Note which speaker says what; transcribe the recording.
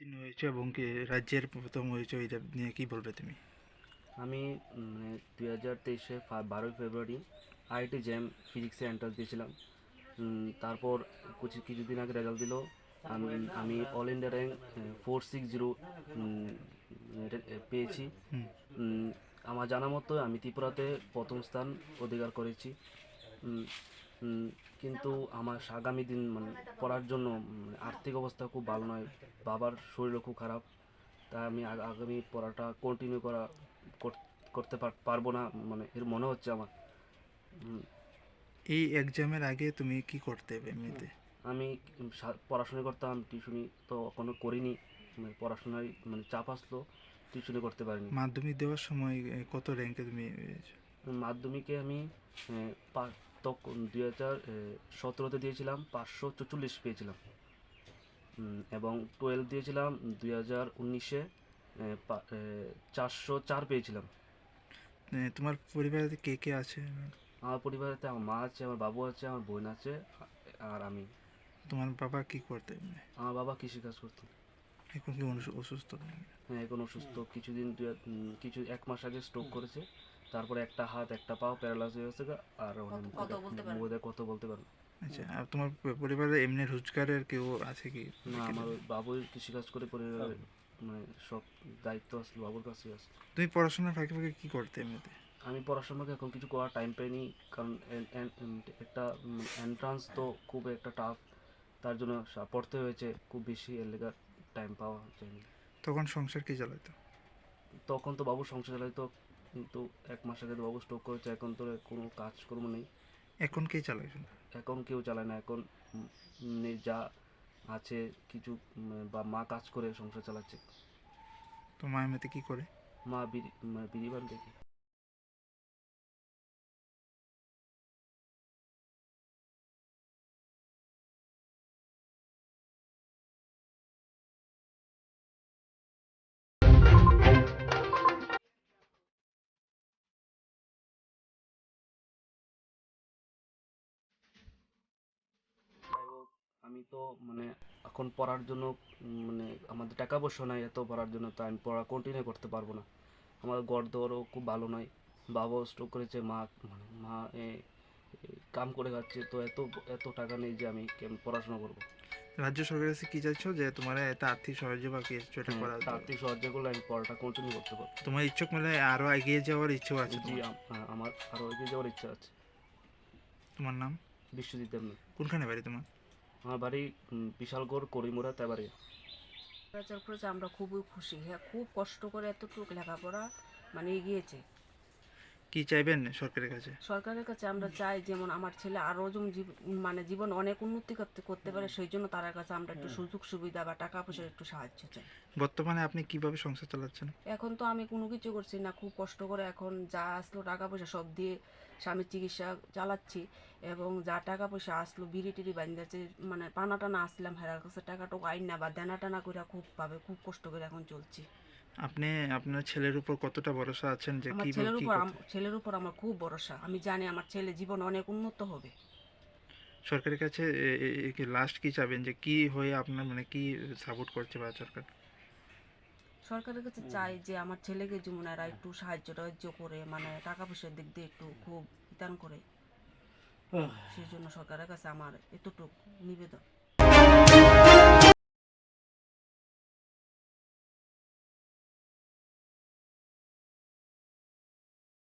Speaker 1: উত্তীর্ণ হয়েছো এবং কি রাজ্যের প্রথম হয়েছো, এটা নিয়ে কি বলবে তুমি?
Speaker 2: আমি 2023-এ 12ই ফেব্রুয়ারি আইআইটি জ্যাম ফিজিক্সে এন্ট্রান্স দিয়েছিলাম। তারপর কিছুদিন আগে রেজাল্ট দিল। আমি আমি অল ইন্ডিয়া র্যাঙ্ক 460 পেয়েছি।
Speaker 1: হুম।
Speaker 2: উম, আমার জানা মতো আমি ত্রিপুরাতে প্রথম স্থান অধিকার করেছি। উম, উম, কিন্তু আমার আগামী দিন মানে পড়ার জন্য আর্থিক অবস্থা খুব ভালো নয়, বাবার শরীরও খুব খারাপ। তাই আমি আগামী পড়াটা কন্টিনিউ করতে পারবো না, মানে এর মনে হচ্ছে আমার। উম,
Speaker 1: এই এক্সামের আগে তুমি কি করতে এমনিতে?
Speaker 2: আমি পড়াশোনা করতাম, টিউশনি তো কোনো করিনি। মানে পড়াশোনায় মানে চাপ আসলো, টিউশনি করতে পারিনি।
Speaker 1: মাধ্যমিক দেওয়ার সময় কত র্যাঙ্কে তুমি
Speaker 2: মাধ্যমিকে আমি তখন 2017-তে দিয়েছিলাম, 544 পেয়েছিলাম। এবং 12 দিয়েছিলাম 2019-এ, 404 পেয়েছিলাম।
Speaker 1: তোমার পরিবারে কে কে আছে?
Speaker 2: আমার পরিবারেতে আমার মা আছে, আমার বাবু আছে, আমার বোন আছে, আর আমি।
Speaker 1: তোমার বাবা কি করতে
Speaker 2: আমার বাবা কৃষিকাজ করতো।
Speaker 1: এখন কি অসুস্থ তুমি?
Speaker 2: হ্যাঁ, এখন অসুস্থ। কিছু 1 মাস আগে স্ট্রোক করেছে। তারপরে একটা হাত একটা পাও প্যারালাইজ হয়ে গেছে আর মুখে কথা বলতে পারে না।
Speaker 1: আচ্ছা, আর তোমার পরিবারে এমনি রোজগারের কেউ আছে কি?
Speaker 2: না, আমার ওই বাবুই কৃষিকাজ করে পরিবারের মানে সব দায়িত্ব আসলে বাবুর কাছেই আছে।
Speaker 1: তুমি পড়াশোনার ফাঁকে ফাঁকে কি করতে এমনিতে?
Speaker 2: আমি পড়াশোনাকে এখন কিছু করার টাইম পাইনি, কারণ একটা এন্ট্রান্স তো খুব একটা টাফ। তার জন্য পড়তে হয়েছে খুব বেশি, এর লেগে টাইম পাওয়া যায়নি।
Speaker 1: তখন সংসার কি চালাতো?
Speaker 2: তখন তো বাবু সংসার চালাইতো, কিন্তু 1 মাস আগে তো বাবু স্ট্রোক করেছে, এখন তো কোনো কাজকর্ম নেই।
Speaker 1: এখন কে চালায়?
Speaker 2: এখন কেউ চালায় না, এখন যা আছে কিছু বা মা কাজ করে সংসার চালাচ্ছে।
Speaker 1: তো মা এমনিতে কি করে?
Speaker 2: মা বিড়ি বান দেখে। যাই হোক, আমি তো মানে এখন পড়ার জন্য মানে আমাদের টাকা পয়সা নাই এত পড়ার জন্য, তো আমি পড়া কন্টিনিউ করতে পারবো না। আমার ঘর দরও খুব ভালো নয়, বাবাও স্ট্রোক করেছে, মা কাম করে খাচ্ছে, তো এত এত টাকা নেই যে আমি পড়াশোনা করবো।
Speaker 1: রাজ্য সরকারের কাছে কি চাইছো, যে তোমার একটা আর্থিক সাহায্য বা কিছু একটা
Speaker 2: হ্যাঁ,
Speaker 1: করা?
Speaker 2: আর্থিক সাহায্য করলে আমি পড়াটা কন্টিনিউ করতে পারবো।
Speaker 1: তোমার ইচ্ছুক মানে আরো এগিয়ে যাওয়ার ইচ্ছেও আছে
Speaker 2: জি,
Speaker 1: তোমার?
Speaker 2: আমার আরও এগিয়ে যাওয়ার ইচ্ছা আছে।
Speaker 1: তোমার নাম?
Speaker 2: বিশ্বজিৎ দেবনাথ।
Speaker 1: কোনখানে বাড়ি তোমার?
Speaker 2: আমার বাড়ি বিশালগড়, করিমুরা, তেবাড়িয়া।
Speaker 3: রেজাল্ট করেছে, আমরা খুবই খুশি। হ্যাঁ, খুব কষ্ট করে এতটুকু লেখাপড়া মানে এগিয়েছে।
Speaker 1: কি চাইবেন সরকারের কাছে?
Speaker 3: সরকারের কাছে আমরা চাই যেমন আমার ছেলে আরও যেমন মানে জীবন অনেক উন্নতি করতে পারে, সেই জন্য তার কাছে আমরা একটু সুযোগ সুবিধা বা টাকা পয়সার একটু সাহায্য চাই।
Speaker 1: বর্তমানে আপনি কিভাবে সংসার চালাচ্ছেন?
Speaker 3: এখন তো আমি কোনো কিছু করছি না, খুব কষ্ট করে এখন যা আসলো টাকা পয়সা সব দিয়ে স্বামীর চিকিৎসা চালাচ্ছি। এবং যা টাকা পয়সা আসলো বিড়ি টিড়ি বান্ধেছে, মানে পানা টানা আসলাম হেরার কাছে টাকাটুকু আইন না বা দেনা টানা করে খুব কষ্ট করে এখন চলছি।
Speaker 1: আপনি আপনার ছেলের উপর কতটা ভরসা আছেন যে
Speaker 3: আমার
Speaker 1: কিভাবে কি করতে?
Speaker 3: ছেলের উপর আমার খুব ভরসা। আমি জানি আমার ছেলে জীবন অনেক উন্নত হবে।
Speaker 1: সরকারের কাছে লাস্ট কি চাবেন, যে কি হয়ে আপনার মানে কি সাপোর্ট করছে বা সরকার?
Speaker 3: সরকারের কাছে চাই যে আমার ছেলেকে যেমন এরা একটু সাহায্য টাহায্য করে, মানে টাকা পয়সার দিক দিয়ে একটু খুব বিধান করে। সেই জন্য সরকারের কাছে আমার এতটুকু নিবেদন।